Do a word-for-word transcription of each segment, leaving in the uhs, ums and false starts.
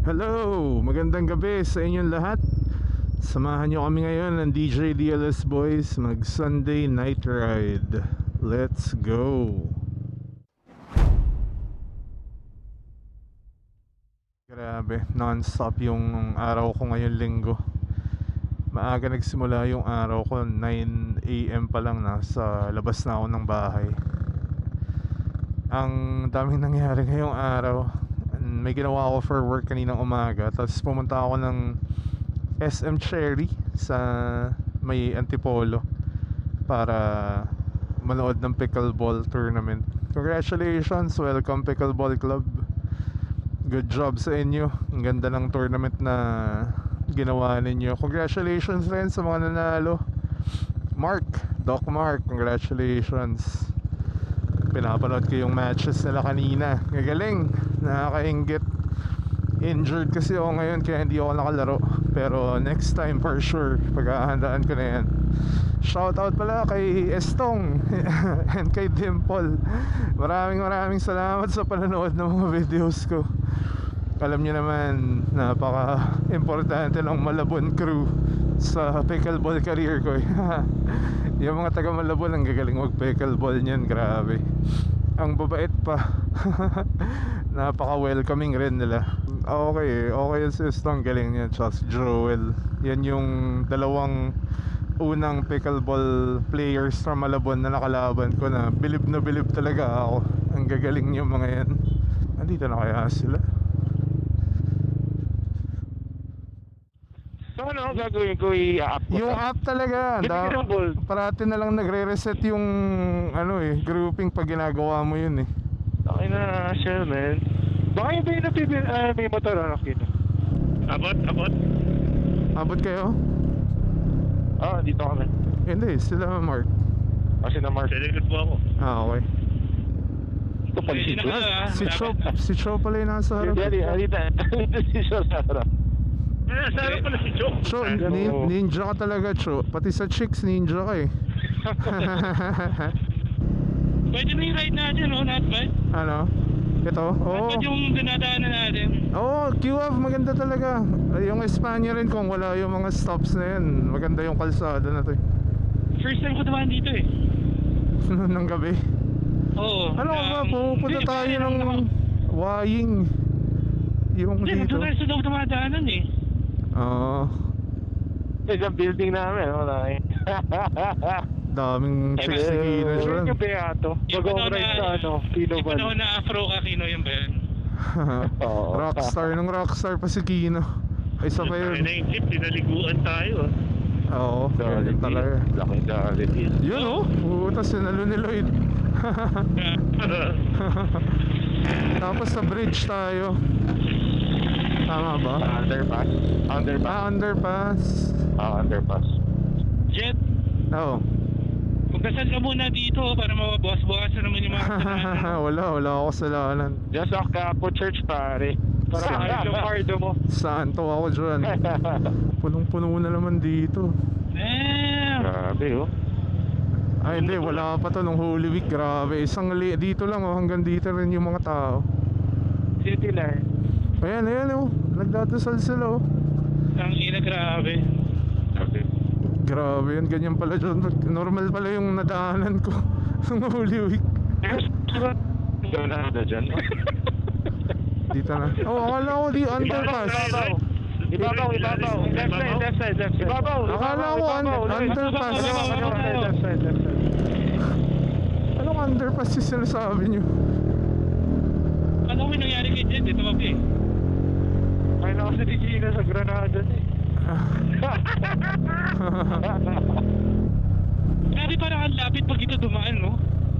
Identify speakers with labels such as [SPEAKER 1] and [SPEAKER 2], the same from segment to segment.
[SPEAKER 1] Hello! Magandang gabi sa inyong lahat. Samahan nyo kami ngayon ng D J D L S Boys mag Sunday night ride. Let's go! Grabe, non-stop yung araw ko ngayon linggo. Maaga nagsimula yung araw ko, nine a m pa lang nasa labas na ako ng bahay. Ang daming nangyari ngayong araw. May ginawa ako for work kaninang umaga. Tapos pumunta ako ng S M Cherry sa may Antipolo para manood ng pickleball tournament. Congratulations, welcome Pickleball Club. Good job sa inyo. Ang ganda ng tournament na ginawa ninyo. Congratulations rin sa mga nanalo. Mark, Doc Mark, congratulations. Pinapanood ko yung matches nila kanina. Gagaling, nakakainggit. Injured kasi ako ngayon kaya hindi ako nakalaro. Pero next time for sure, paghahandaan ko na yan. Shoutout pala kay Estong and kay Dimple. Maraming maraming salamat sa panonood ng mga videos ko. Alam nyo naman, napaka-importante ng Malabon crew sa pickleball career ko. Yung mga taga Malabon ang gagaling mag pickleball niyan, grabe. Ang babait pa. Napaka-welcoming rin nila. Okay, okay yung system, galing niya. Tsaka si Joel. Yan yung dalawang unang pickleball players from Malabon na nakalaban ko na bilib na bilib talaga ako. Ang gagaling yung mga yan. Andito na kaya sila?
[SPEAKER 2] So ano gagawin ko, i-up ko?
[SPEAKER 1] Yung app talaga da, parati na lang nagre-reset yung ano eh, grouping pag ginagawa mo yun eh.
[SPEAKER 2] Okay na, sure man. Baka yung ba yung napipil, uh, may motor anak dito? Abot, abot.
[SPEAKER 1] Abot kayo?
[SPEAKER 2] Ah, dito kami.
[SPEAKER 1] Hindi, sila Mark.
[SPEAKER 2] Kasi na Mark. Delivered po ako.
[SPEAKER 1] Ah, okay.
[SPEAKER 2] Ito pala si Chop.
[SPEAKER 1] Si Chop, si Chop pala yung nasa harap.
[SPEAKER 2] Hindi, halita. Si Chop sa harap.
[SPEAKER 3] Ah, sa harap pala si Chop.
[SPEAKER 1] Cho, ni, ninja ka talaga, Cho. Pati sa chicks, ninja ka eh.
[SPEAKER 3] Pwede na yung ride natin, no? Not bad.
[SPEAKER 1] Ano? Ito? Oo.
[SPEAKER 3] Not bad yung dinadaanan natin.
[SPEAKER 1] Oo, Q F maganda talaga. Yung Espanya rin kung wala yung mga stops na yun. Maganda yung kalsada na to eh.
[SPEAKER 3] First time ko dumaan dito eh.
[SPEAKER 1] Nang gabi.
[SPEAKER 3] Oo.
[SPEAKER 1] Ano
[SPEAKER 3] um,
[SPEAKER 1] ba, pupunta
[SPEAKER 3] hindi,
[SPEAKER 1] tayo
[SPEAKER 3] parang
[SPEAKER 1] ng
[SPEAKER 3] ako-
[SPEAKER 1] Waying. Yung
[SPEAKER 3] Hindi,
[SPEAKER 1] dito.
[SPEAKER 3] nandun tayo sa loob dumadaanan eh.
[SPEAKER 1] Oo.
[SPEAKER 2] Isang building namin, wala eh.
[SPEAKER 1] Daming chicks ni Kino dyan.
[SPEAKER 2] Yung Beato.
[SPEAKER 3] Yung
[SPEAKER 2] Mag-on
[SPEAKER 3] panahon
[SPEAKER 2] ride
[SPEAKER 3] na-
[SPEAKER 2] sa ano, Pino
[SPEAKER 3] Yung panahon na Afro Kakino yung ba yun?
[SPEAKER 2] Oo.
[SPEAKER 1] Rockstar, nung rockstar pa si Kino. Ay, isa pa
[SPEAKER 3] Yung
[SPEAKER 1] yun.
[SPEAKER 3] tayo na yung jeep, pinaliguan tayo ah.
[SPEAKER 1] Oo, ganyan talaga.
[SPEAKER 2] Laki reality.
[SPEAKER 1] Yun oh, puta sinalo ni Lloyd. Tapos sa bridge tayo. Tama ba?
[SPEAKER 2] Underpass. Underpass.
[SPEAKER 1] Ah, underpass.
[SPEAKER 2] Ah, underpass.
[SPEAKER 3] Jet,
[SPEAKER 1] Oo.
[SPEAKER 3] magdasal ka muna dito para mabawas-bawasan naman yung mga kasalanan.
[SPEAKER 1] Wala, wala ako kasalanan.
[SPEAKER 2] Just a Capo Church, pare. Para ayos yung cardo mo.
[SPEAKER 1] Santo ako dyan. Punong-puno na naman dito.
[SPEAKER 3] Damn!
[SPEAKER 2] Grabe, oh.
[SPEAKER 1] Ay hindi, wala pa to nung Holy Week. Grabe, isang li dito lang oh, hanggang dito rin yung mga tao.
[SPEAKER 2] City Line.
[SPEAKER 1] Ayan, ayan oh, nagdadasal sila oh.
[SPEAKER 3] Ang ina, grabe.
[SPEAKER 2] Grabe.
[SPEAKER 1] Grabe yun, ganyan pala dyan. Normal pala yung nadaanan ko nung Holy Week.
[SPEAKER 2] Doon na na dyan.
[SPEAKER 1] Dito na. Oh, akala ko di underpass.
[SPEAKER 2] Ibabaw, ibabaw. Left side, left side, left side. Ibabaw.
[SPEAKER 1] Akala ko un- underpass.
[SPEAKER 2] Left side, left side, left side.
[SPEAKER 1] Anong underpass yung sinasabi nyo?
[SPEAKER 3] Ano ko yung nangyari kay Jet? Ito mabi.
[SPEAKER 2] Ay, na kasi di Gina sa Granada eh.
[SPEAKER 3] Grabe, parang ang lapit pag ito dumaan, no?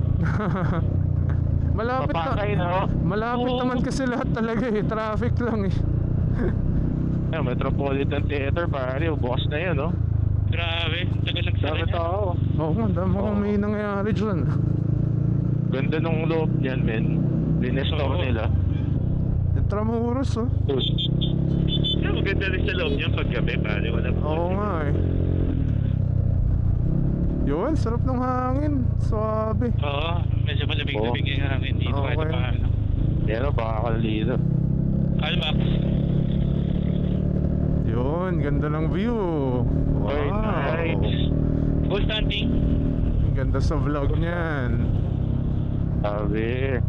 [SPEAKER 1] Malapit
[SPEAKER 2] Papatay
[SPEAKER 1] na.
[SPEAKER 2] na, oh.
[SPEAKER 1] Malapit
[SPEAKER 3] Oo.
[SPEAKER 1] naman kasi lahat talaga eh. Traffic lang eh.
[SPEAKER 2] Ay, Metropolitan Theater, pare. Boss na yun, oh.
[SPEAKER 3] Grabe, tagal
[SPEAKER 2] Dami
[SPEAKER 3] nagsara niya.
[SPEAKER 2] tao.
[SPEAKER 1] Oo nga, dami
[SPEAKER 2] Oo.
[SPEAKER 1] kang may nangyayari dyan.
[SPEAKER 2] Ganda nung loob niyan, men. Linestore
[SPEAKER 3] Oo.
[SPEAKER 2] nila.
[SPEAKER 1] Intramuros oh.
[SPEAKER 3] Yeah, maganda rin sa loob niya paggabi, pare. Wala pa.
[SPEAKER 1] Oo nga eh. Yun, sarap ng hangin. Suabe.
[SPEAKER 3] Oo, medyo malamig-lamig yung hangin dito.
[SPEAKER 1] Okay.
[SPEAKER 3] Kahit pa ano.
[SPEAKER 2] Pero baka kalito.
[SPEAKER 3] Almax.
[SPEAKER 1] Yun, ganda ng view. Wow.
[SPEAKER 2] Very nice.
[SPEAKER 3] Ghost hunting.
[SPEAKER 1] Ganda sa vlog niyan.
[SPEAKER 2] Sabi.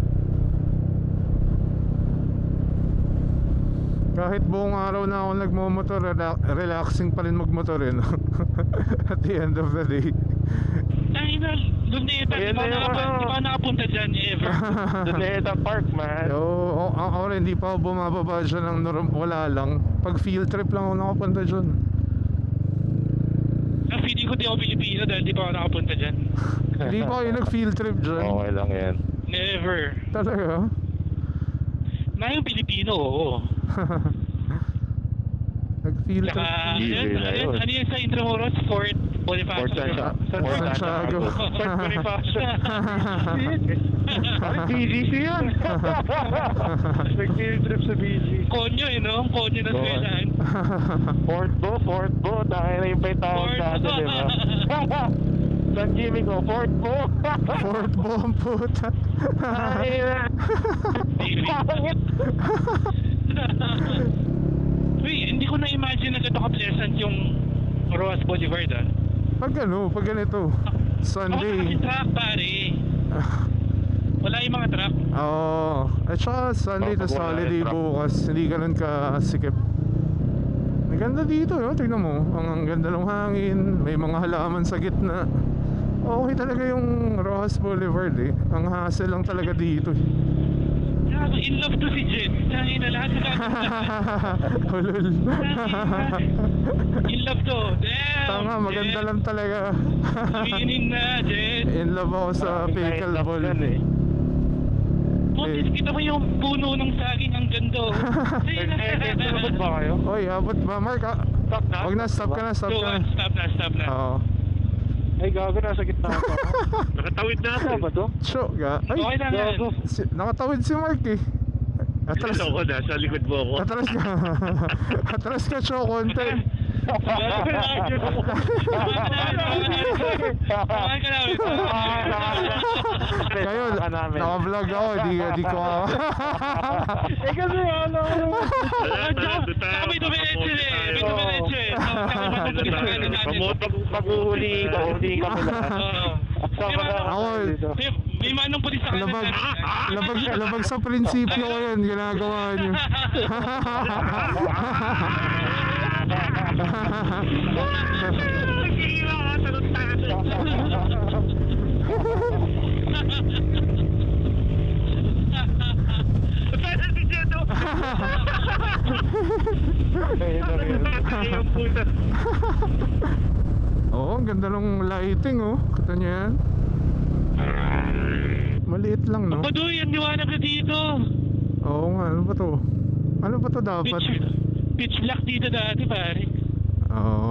[SPEAKER 1] Kahit buong araw na ako nagmumotor, rela- relaxing pa rin magmotor eh, no? At the end of the day.
[SPEAKER 3] Tangina, Luneta, di
[SPEAKER 2] Ayan
[SPEAKER 3] ba
[SPEAKER 2] na yung
[SPEAKER 3] nakapa-
[SPEAKER 2] ano.
[SPEAKER 3] di ba nakapunta dyan ever?
[SPEAKER 2] Luneta Park, man.
[SPEAKER 1] Oo, oh, ako rin, hindi pa ako bumababa dyan ng norm, wala lang. Pag field trip lang ako nakapunta dyan.
[SPEAKER 3] Ang feeling ko di ako Pilipino dahil di pa ako nakapunta dyan.
[SPEAKER 1] Hindi pa kayo nag-field trip dyan.
[SPEAKER 2] Okay lang yan.
[SPEAKER 3] Never.
[SPEAKER 1] Talaga?
[SPEAKER 3] Na yung Pilipino, oo.
[SPEAKER 1] Nag-field trip.
[SPEAKER 3] Tsaka,
[SPEAKER 2] Easy
[SPEAKER 3] yun,
[SPEAKER 2] na
[SPEAKER 3] ano yun,
[SPEAKER 2] yun.
[SPEAKER 3] ano yun sa Intramuros? Fort Bonifacio.
[SPEAKER 2] Fort Santiago.
[SPEAKER 1] Fort Santiago.
[SPEAKER 2] Fort Bonifacio. Parang B G C yun. Nag-field trip sa B G.
[SPEAKER 3] Konyo eh, no? Konyo na
[SPEAKER 2] Oo.
[SPEAKER 3] swelan.
[SPEAKER 2] Fort Bo, Fort Bo. Tayo na yung may tawag
[SPEAKER 3] Fort
[SPEAKER 2] sa atin, di ba? San Jimmy ko, Fort Bo.
[SPEAKER 1] Fort Bomb, puta.
[SPEAKER 2] Ay, na. Pangit.
[SPEAKER 3] Uy, hindi ko na-imagine na gano'n ka-pleasant yung Roas Boulevard, ah.
[SPEAKER 1] Pag ano, pag ganito,
[SPEAKER 3] Wala
[SPEAKER 1] Sunday.
[SPEAKER 3] kasi truck, pare. Wala yung mga truck.
[SPEAKER 1] Oo. At saka Sunday
[SPEAKER 2] Oh,
[SPEAKER 1] tas
[SPEAKER 2] pag wala
[SPEAKER 1] holiday
[SPEAKER 2] yung truck.
[SPEAKER 1] bukas, hindi ganun kasikip. Ang ganda dito, no? Tingnan mo. Ang, ang ganda ng hangin, may mga halaman sa gitna. Okay talaga yung Rojas Boulevard eh. Ang hassle lang talaga dito eh.
[SPEAKER 3] Gago, in love to si Jen. Tangin na lahat sa
[SPEAKER 1] Hulul.
[SPEAKER 3] In love to. Damn!
[SPEAKER 1] Tama, maganda
[SPEAKER 3] Jen.
[SPEAKER 1] lang talaga.
[SPEAKER 3] Winning na, Jen.
[SPEAKER 1] In love ako sa pickleball.
[SPEAKER 2] eh.
[SPEAKER 3] Putis, kita mo yung puno ng saging ang gando.
[SPEAKER 2] Nag-field ba kayo?
[SPEAKER 1] Oy, abot ba? Mark, ah.
[SPEAKER 2] Stop na?
[SPEAKER 1] Wag na, stop ka na, stop
[SPEAKER 3] So,
[SPEAKER 1] ka
[SPEAKER 3] uh,
[SPEAKER 1] na.
[SPEAKER 3] stop na, stop na.
[SPEAKER 1] Oo.
[SPEAKER 2] Ay, gago, nasa gitna ako.
[SPEAKER 3] Nakatawid na
[SPEAKER 2] Ano ba to?
[SPEAKER 1] Cho, ga.
[SPEAKER 3] Okay
[SPEAKER 1] Ay,
[SPEAKER 3] lang yan.
[SPEAKER 2] Gago.
[SPEAKER 1] si, nakatawid si Mark eh. Atras.
[SPEAKER 3] ako, nasa likod mo ako.
[SPEAKER 1] Atras ka. Atras ka, Cho, konti.
[SPEAKER 3] Samahan ka namin.
[SPEAKER 1] Kayo, naka-vlog ako, di, di ko ako.
[SPEAKER 2] Eh kasi ano,
[SPEAKER 3] Saka may dumiretso eh. May dumiretso eh.
[SPEAKER 2] Pag-uhuli ka, huli ka pala. Sama na
[SPEAKER 1] Ako,
[SPEAKER 3] May, may manong pulis sa kanan.
[SPEAKER 1] labag, labag, labag sa prinsipyo ko yan, ginagawa niyo.
[SPEAKER 3] Sana si Jeto.
[SPEAKER 1] Oo, ang ganda ng lighting oh. Kita niyo yan? Maliit lang no?
[SPEAKER 3] Padoy, ang liwanag na dito.
[SPEAKER 1] Oo nga, ano ba to? Ano ba to dapat?
[SPEAKER 3] Pitch, pitch black dito dati, pare.
[SPEAKER 1] Oo.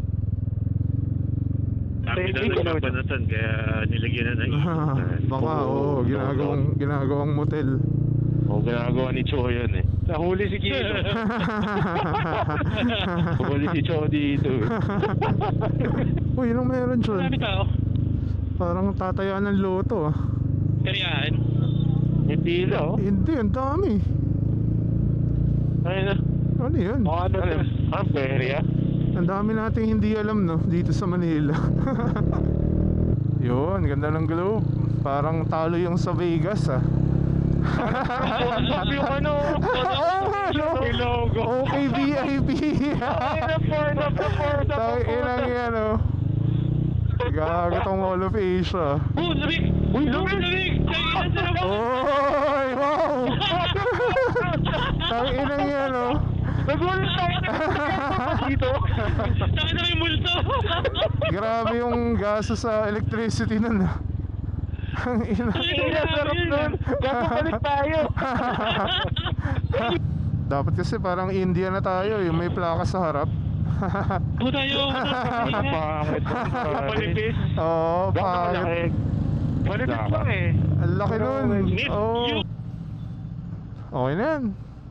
[SPEAKER 2] Sabi na sa
[SPEAKER 3] Banatan, kaya nilagyan na ng
[SPEAKER 1] Baka oo, ginagawang, ginagawang motel.
[SPEAKER 2] Oo, ginagawa ni Cho yun eh. Nahuli si Kito. Nahuli si Cho dito eh.
[SPEAKER 1] Uy, yun ang meron dyan.
[SPEAKER 3] Marami tao.
[SPEAKER 1] Parang tatayaan ng loto ah.
[SPEAKER 3] Karyaan.
[SPEAKER 2] May pila oh.
[SPEAKER 1] Hindi, ang dami.
[SPEAKER 2] Ay na.
[SPEAKER 1] Ano yun?
[SPEAKER 2] O ano to? Ang perya?
[SPEAKER 1] Ang dami nating hindi alam no, dito sa Manila. Yun, ganda ng globe. Parang talo yung sa Vegas ah.
[SPEAKER 2] Sabi yung ano?
[SPEAKER 1] Oo nga no?
[SPEAKER 2] Yung logo.
[SPEAKER 1] Okay V I P.
[SPEAKER 2] Ay na for na for na
[SPEAKER 1] Tang inang yan oh. Gago tong Mall of Asia.
[SPEAKER 3] Oh, lamig! Uy, lamig, lamig! Kaya sa labas!
[SPEAKER 1] Oy, wow! Tang inang yan oh.
[SPEAKER 2] Nagulat tayo dito.
[SPEAKER 3] Saka na may multo!
[SPEAKER 1] Grabe yung gaso sa electricity nun ah. Ang ina.
[SPEAKER 2] Ay na, sarap nun. Gagabalik tayo.
[SPEAKER 1] Dapat kasi parang India na tayo, yung may plaka sa harap.
[SPEAKER 3] Puta yung...
[SPEAKER 2] Pangit. Palipis.
[SPEAKER 1] Oo, pangit.
[SPEAKER 2] Palipis lang eh.
[SPEAKER 1] Ang laki nun.
[SPEAKER 3] Miss
[SPEAKER 1] Oo.
[SPEAKER 3] you!
[SPEAKER 1] Okay na yan.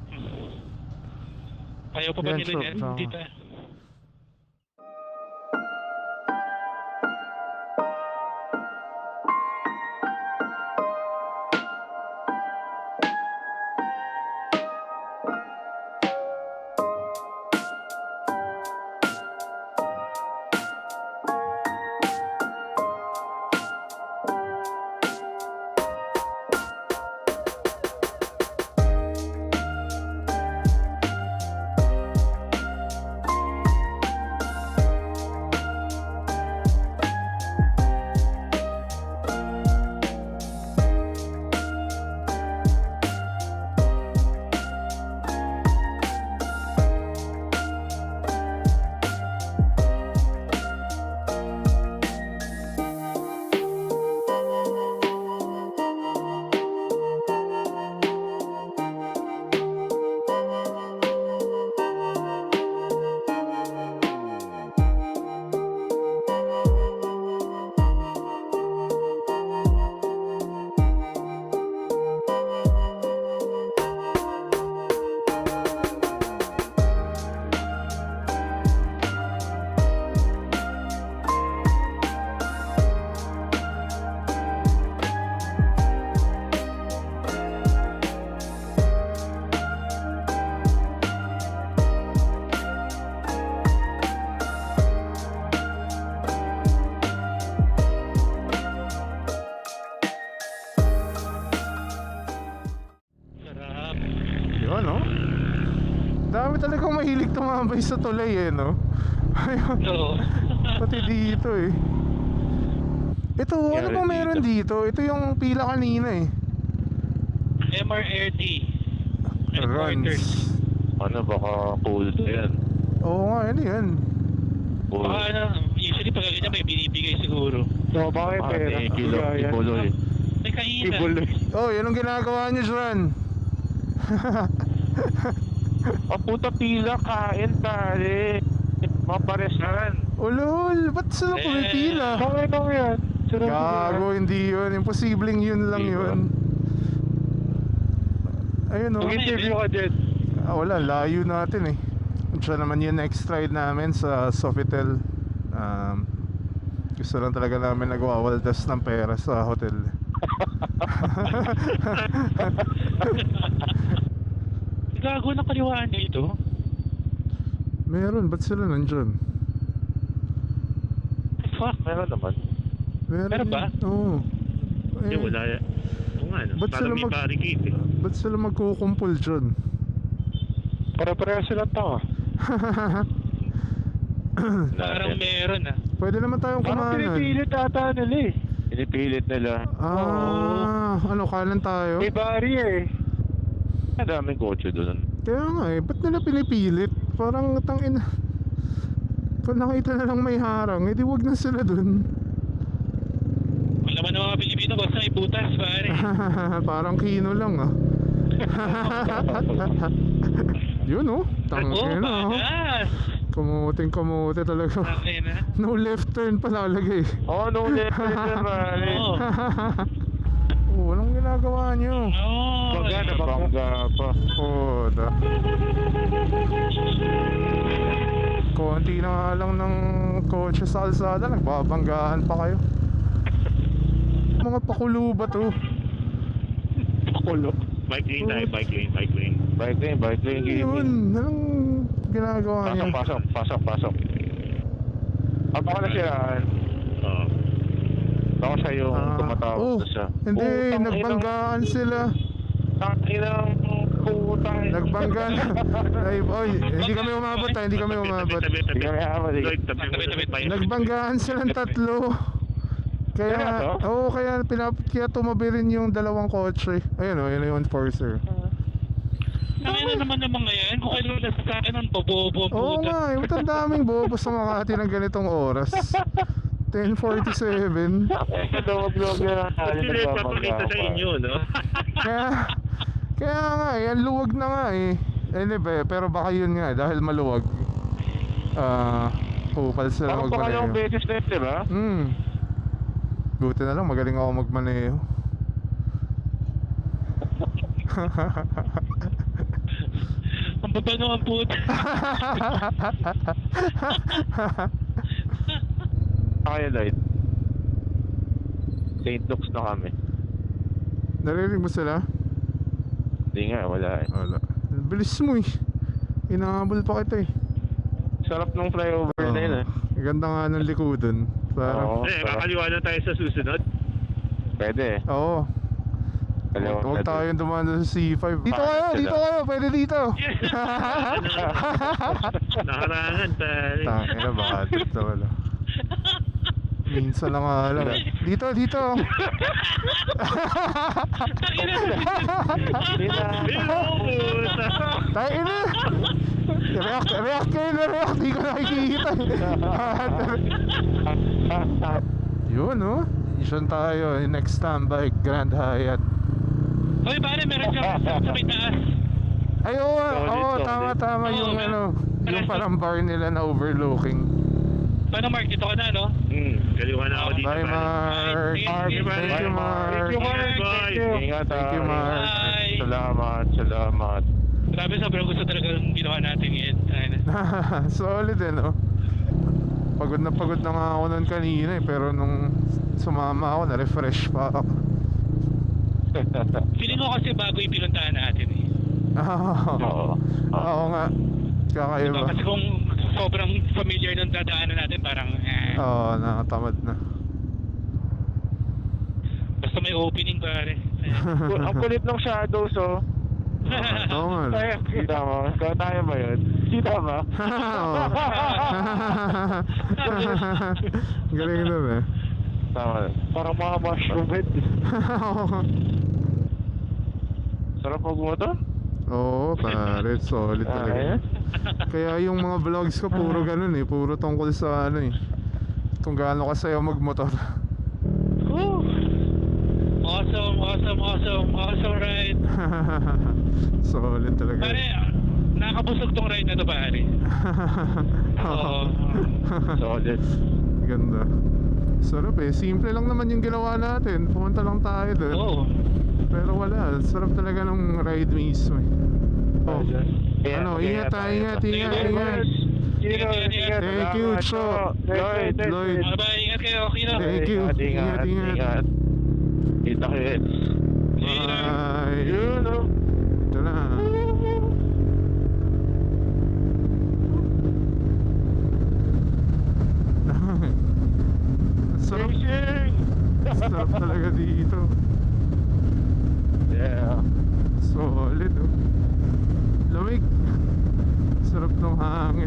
[SPEAKER 3] Ayaw pa ba
[SPEAKER 1] Yan,
[SPEAKER 3] nila
[SPEAKER 1] so,
[SPEAKER 3] yan?
[SPEAKER 1] tama.
[SPEAKER 3] Tita.
[SPEAKER 1] Marami talagang mahilig tumambay sa tulay eh, no? Ayun.
[SPEAKER 3] Oo.
[SPEAKER 1] Pati dito eh. Ito, ano
[SPEAKER 2] Yeah,
[SPEAKER 1] bang meron dito? Ito yung pila kanina eh.
[SPEAKER 3] M R R T.
[SPEAKER 1] Runs.
[SPEAKER 2] Ano, baka cool to yan.
[SPEAKER 1] Oo nga, ano yan?
[SPEAKER 2] Cool.
[SPEAKER 3] Baka ano, usually pag ganyan may binibigay siguro.
[SPEAKER 2] So, baka yung pera. Kilo, ibuloy.
[SPEAKER 3] May kainan.
[SPEAKER 2] Ibuloy.
[SPEAKER 1] Oh, yan ang ginagawa niyo, Juan.
[SPEAKER 2] Ang puta pila, kain pare. Maparesan.
[SPEAKER 1] Ulol, ba't sila
[SPEAKER 3] Eh.
[SPEAKER 1] pumipila?
[SPEAKER 2] Okay lang yan. Sarap
[SPEAKER 1] Gago, hindi yun. Imposibleng yun lang
[SPEAKER 2] Di ba?
[SPEAKER 1] yun. Ayun oh.
[SPEAKER 2] Mag-interview ka dyan.
[SPEAKER 1] Ah, wala, layo natin eh. Siya naman yung next ride namin sa Sofitel. Um, gusto lang talaga namin nagwawaldas ng pera sa hotel.
[SPEAKER 3] Gago na kaliwaan dito.
[SPEAKER 1] Meron, ba't sila nandyan?
[SPEAKER 3] Fuck.
[SPEAKER 2] Meron naman.
[SPEAKER 1] Meron,
[SPEAKER 3] Meron ba?
[SPEAKER 1] yun. Oo.
[SPEAKER 4] Hindi,
[SPEAKER 1] Eh,
[SPEAKER 4] wala. Oo nga, no?
[SPEAKER 1] Ba't sila
[SPEAKER 4] Parang may
[SPEAKER 1] mag-
[SPEAKER 4] barricade eh.
[SPEAKER 1] ba't sila magkukumpul dyan?
[SPEAKER 2] Para-pareho sila tao.
[SPEAKER 3] Parang meron ah.
[SPEAKER 1] Pwede naman tayong
[SPEAKER 2] Parang
[SPEAKER 1] kumanan.
[SPEAKER 2] pinipilit ata nila eh. Pinipilit nila.
[SPEAKER 1] Ah, ano, kanan tayo?
[SPEAKER 2] May barrier eh. Ang daming kotse doon.
[SPEAKER 1] Kaya nga eh, ba't nila pinipilit? Parang tangin. Kung nakita na lang may harang, edi wag na sila dun.
[SPEAKER 3] Wala man ng mga Pilipino, basta may butas pare.
[SPEAKER 1] Parang kino lang ah. Yun oh,
[SPEAKER 3] Oh,
[SPEAKER 1] tangin na oh.
[SPEAKER 3] badass.
[SPEAKER 1] Kumuting kumute talaga.
[SPEAKER 3] Tangin na.
[SPEAKER 1] No left turn pala lagay.
[SPEAKER 2] Oh, no left na pare.
[SPEAKER 3] Oo.
[SPEAKER 1] Oh, walang ginagawa nyo.
[SPEAKER 3] Oo.
[SPEAKER 2] Bangga na bangga pa.
[SPEAKER 1] Oh, da. Konti na nga lang ng kotse sa alsada, nagbabanggaan pa kayo. Mga pakulo ba to?
[SPEAKER 2] Pakulo.
[SPEAKER 4] Bike lane tayo, bike lane, bike lane.
[SPEAKER 2] Bike lane, bike lane
[SPEAKER 1] Ano
[SPEAKER 2] gaming.
[SPEAKER 1] yun? Anong ginagawa
[SPEAKER 2] Pasok,
[SPEAKER 1] niya?
[SPEAKER 2] pasok, pasok, pasok. Ah, baka nasiraan.
[SPEAKER 4] Oo.
[SPEAKER 2] Baka siya yung
[SPEAKER 1] Ah,
[SPEAKER 2] tumatawag
[SPEAKER 1] oh,
[SPEAKER 2] na siya.
[SPEAKER 1] hindi, nagbanggaan sila.
[SPEAKER 2] Tanginang putang.
[SPEAKER 1] Nagbangga na. Ay, oy, hindi kami umabot ah, hindi kami umabot.
[SPEAKER 4] Tabi, tabi,
[SPEAKER 2] Hindi kami aabot eh.
[SPEAKER 4] Lloyd, tabi mo
[SPEAKER 3] Tabi, tabi,
[SPEAKER 4] tabi.
[SPEAKER 1] Nagbanggaan silang tatlo. Kaya,
[SPEAKER 2] Seryoso?
[SPEAKER 1] oo, kaya pinap kaya tumabi rin yung dalawang kotse. Ayun oh, yun yung enforcer.
[SPEAKER 3] Tangin na naman ng mga yan. Kung kayo nasasakyan ng bobobo ang
[SPEAKER 1] Oo
[SPEAKER 3] puta.
[SPEAKER 1] nga, eh, ba't ang daming bobo sa Makati ng ganitong oras? ten forty-seven.
[SPEAKER 2] Kalawag-lawag na lang tayo.
[SPEAKER 4] Actually, papakita sa inyo, no?
[SPEAKER 1] Kaya, kaya nga eh, ang luwag na nga eh. Anyway, pero baka yun nga, dahil maluwag. Ah, kupal sila
[SPEAKER 2] Parang pangalawang
[SPEAKER 1] magmaneho.
[SPEAKER 2] beses na yun, di ba?
[SPEAKER 1] Hmm. Buti na lang, magaling ako magmaneho.
[SPEAKER 3] Ang babano ang puta.
[SPEAKER 2] Kaya, Lloyd. Saint Luke's na kami.
[SPEAKER 1] Narinig mo sila?
[SPEAKER 2] Hindi nga, wala eh.
[SPEAKER 1] Wala. Bilis mo eh. Inahabol pa kita eh.
[SPEAKER 2] Sarap ng flyover na yun eh.
[SPEAKER 1] Ang ganda nga ng likodan. Parang,
[SPEAKER 2] Oo,
[SPEAKER 4] Eh,
[SPEAKER 2] sarap.
[SPEAKER 4] kakaliwa na tayo sa susunod.
[SPEAKER 2] Pwede eh.
[SPEAKER 1] oo.
[SPEAKER 2] Kaliwa
[SPEAKER 1] Huwag
[SPEAKER 2] na
[SPEAKER 1] tayong dumaan sa C five. Dito
[SPEAKER 2] Bakit
[SPEAKER 1] kayo,
[SPEAKER 2] sila?
[SPEAKER 1] dito kayo, pwede dito.
[SPEAKER 4] Nakarangan, pare.
[SPEAKER 1] Tangina, baka dito wala. Minsan lang nga lang. Dito, dito.
[SPEAKER 3] Tangin na.
[SPEAKER 4] Hello, puta.
[SPEAKER 1] Tayo ina. React, react kayo na react. Di ko nakikita. Yun, no? Isyon tayo. Next standby, Grand Hyatt.
[SPEAKER 3] Hoy pare, meron siya sa sa may taas.
[SPEAKER 1] Ay, oo,
[SPEAKER 2] Solid,
[SPEAKER 1] oo,
[SPEAKER 2] solid.
[SPEAKER 1] tama, tama
[SPEAKER 3] Oo,
[SPEAKER 1] yung
[SPEAKER 3] man.
[SPEAKER 1] ano, yung parang bar nila na overlooking.
[SPEAKER 3] Paano Mark, dito ka na no?
[SPEAKER 4] Hmm, kaliwa na ako dito,
[SPEAKER 1] Bye,
[SPEAKER 4] pare.
[SPEAKER 1] Mark.
[SPEAKER 3] Sige,
[SPEAKER 1] Thank
[SPEAKER 3] sige,
[SPEAKER 1] you,
[SPEAKER 3] bye.
[SPEAKER 1] Mark.
[SPEAKER 2] Thank you, Mark.
[SPEAKER 4] Bye.
[SPEAKER 2] Thank you. Ingat,
[SPEAKER 1] Thank you,
[SPEAKER 2] ah.
[SPEAKER 1] Mark.
[SPEAKER 3] Bye.
[SPEAKER 2] Salamat, salamat.
[SPEAKER 3] Grabe, sobrang gusto talaga ng ginawa natin ngayon. Ayun na.
[SPEAKER 1] Solid eh, no? Pagod na pagod na nga ako nun kanina eh, pero nung sumama ako, na-refresh pa ako.
[SPEAKER 3] Feeling ko kasi bago yung pinuntahan natin eh.
[SPEAKER 1] Oo.
[SPEAKER 2] Oo.
[SPEAKER 1] Oo nga.
[SPEAKER 3] Diba?
[SPEAKER 1] Kakaiba.
[SPEAKER 3] Kasi kung sobrang familiar ng dadaanan natin, parang eh.
[SPEAKER 1] Oo, nakatamad na.
[SPEAKER 3] Basta may opening pare. Ayan.
[SPEAKER 2] Ang kulit ng shadows, oh.
[SPEAKER 1] Oo nga.
[SPEAKER 2] Ay, kita mo. Ikaw tayo ba yun? Kita mo?
[SPEAKER 1] Oo. Galing nun eh.
[SPEAKER 2] Tama. Parang mga mushroom head. Sarap mag-motor?
[SPEAKER 1] Oo, pare, solid
[SPEAKER 2] Ah,
[SPEAKER 1] talaga.
[SPEAKER 2] ayan.
[SPEAKER 1] Kaya yung mga vlogs ko puro ganun eh, puro tungkol sa ano eh, kung gaano kasaya magmotor.
[SPEAKER 2] Oh.
[SPEAKER 3] Awesome, awesome, awesome, awesome ride.
[SPEAKER 1] Solid talaga.
[SPEAKER 3] Pare, nakakabusog tong ride na to, pare. Oo.
[SPEAKER 2] Solid.
[SPEAKER 1] Ganda. Sarap eh, simple lang naman yung ginawa natin, pumunta lang tayo doon.
[SPEAKER 3] Oo.
[SPEAKER 1] Pero wala, sarap talaga ng ride mismo eh. Oh.
[SPEAKER 2] Kaya,
[SPEAKER 1] Ano,
[SPEAKER 2] kaya
[SPEAKER 1] ingat tayo, ingat,
[SPEAKER 2] tayo.
[SPEAKER 1] ingat,
[SPEAKER 3] Thank you,
[SPEAKER 1] ingat.
[SPEAKER 2] Kino, ingat.
[SPEAKER 1] Thank you,
[SPEAKER 2] Salamat,
[SPEAKER 1] Cho.
[SPEAKER 2] Cho.
[SPEAKER 1] Lloyd, Lloyd.
[SPEAKER 3] Bye-bye, ingat kayo, Kino.
[SPEAKER 1] Thank you.
[SPEAKER 2] Ingat,
[SPEAKER 1] Ingat,
[SPEAKER 2] ingat,
[SPEAKER 1] ingat.
[SPEAKER 2] ingat. Kita ko yun.
[SPEAKER 1] Bye.
[SPEAKER 2] Yun, oh.
[SPEAKER 1] Ito na. Sarap,
[SPEAKER 2] Racing!
[SPEAKER 1] sarap talaga dito.
[SPEAKER 2] Yeah.
[SPEAKER 1] Solid oh. Lamig. Sarap ng hangin.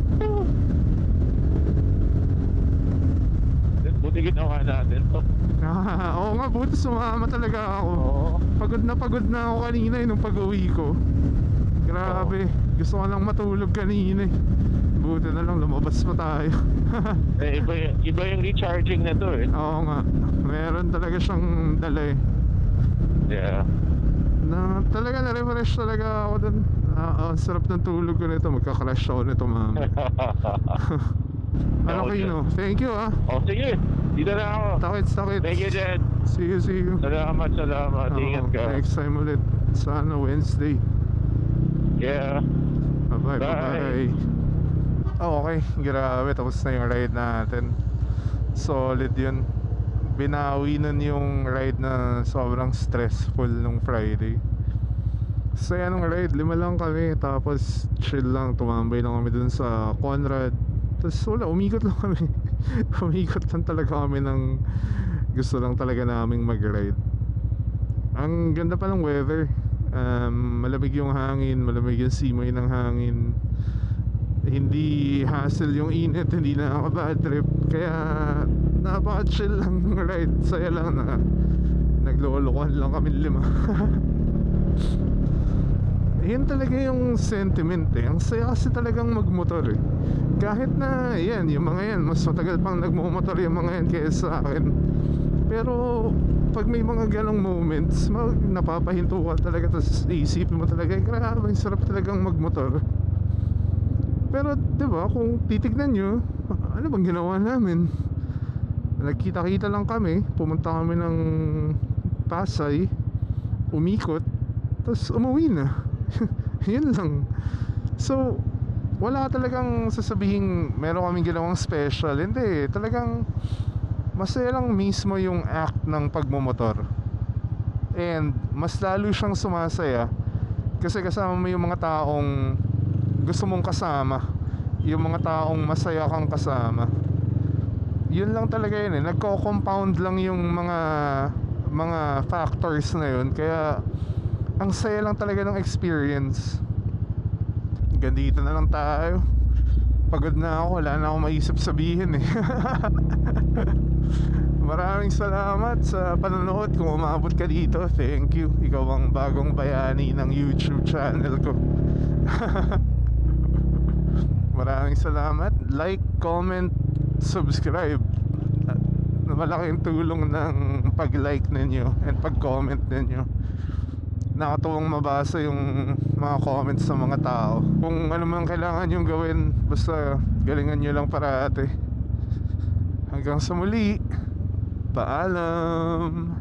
[SPEAKER 2] Buti ginawa natin to.
[SPEAKER 1] Ah, oo nga, buti sumama talaga ako.
[SPEAKER 2] Oo.
[SPEAKER 1] Pagod na pagod na ako kanina eh, nung pag-uwi ko. Grabe, gusto ko lang matulog kanina eh. Buti na lang lumabas pa tayo.
[SPEAKER 2] Eh, iba, y- iba yung recharging na to eh.
[SPEAKER 1] Oo nga, meron talaga siyang dala eh.
[SPEAKER 2] Yeah.
[SPEAKER 1] Na talaga na-refresh talaga ako dun. Ah, ang sarap ng tulog ko nito, magka-crash ako nito mama. Ano
[SPEAKER 2] Ako
[SPEAKER 1] kayo
[SPEAKER 2] dyan.
[SPEAKER 1] no? Thank you ah.
[SPEAKER 2] Oh, sige. Dito na ako.
[SPEAKER 1] Takits, takits.
[SPEAKER 2] Thank you, Jen.
[SPEAKER 1] See you, see you.
[SPEAKER 2] Salamat, salamat.
[SPEAKER 1] Oo,
[SPEAKER 2] Ingat ka.
[SPEAKER 1] next time ulit. Sana Wednesday.
[SPEAKER 2] Yeah.
[SPEAKER 1] Bye-bye,
[SPEAKER 2] Bye.
[SPEAKER 1] bye-bye. Oh, okay, grabe. Tapos na yung ride natin. Solid yun. Binawi nun yung ride na sobrang stressful nung Friday. Saya nung ride, lima lang kami. Tapos chill lang, tumambay lang kami dun sa Conrad. Tapos wala, umikot lang kami. Umikot lang talaga kami ng gusto lang talaga naming mag-ride. Ang ganda pa ng weather. Um, malamig yung hangin, malamig yung simoy ng hangin. Hindi hassle yung init, hindi na ako bad trip. Kaya napaka-chill lang ng ride. Saya lang na naglolokohan lang kami lima. Yan talaga yung sentiment eh. Ang saya kasi talagang magmotor eh. Kahit na yan, yung mga yan, mas matagal pang nagmumotor yung mga yan kaysa sa akin. Pero pag may mga ganong moments, mag, napapahinto ka talaga. Tapos iisipin mo talaga, eh, grabe, ang sarap talagang magmotor. Pero diba, kung titignan nyo, ano bang ginawa namin? Nagkita-kita lang kami, pumunta kami ng Pasay, umikot, tapos umuwi na. Yun lang. So wala talagang sasabihin meron kaming ginawang special. Hindi, talagang masaya lang mismo yung act ng pagmumotor. And mas lalo siyang sumasaya kasi kasama mo yung mga taong gusto mong kasama, yung mga taong masaya kang kasama. Yun lang talaga yun eh. Nagko-compound lang yung mga mga factors na yun. Kaya ang saya lang talaga ng experience. Gandito na lang tayo. Pagod na ako, wala na akong maisip sabihin eh. Maraming salamat sa panonood. Kung umabot ka dito, thank you. Ikaw ang bagong bayani ng YouTube channel ko. Maraming salamat. Like, comment, subscribe. Malaking tulong ng pag-like ninyo and pag-comment ninyo. Nakatuwang mabasa yung mga comments sa mga tao. Kung ano man kailangan yung gawin, basta galingan nyo lang parate. Hanggang sa muli, paalam.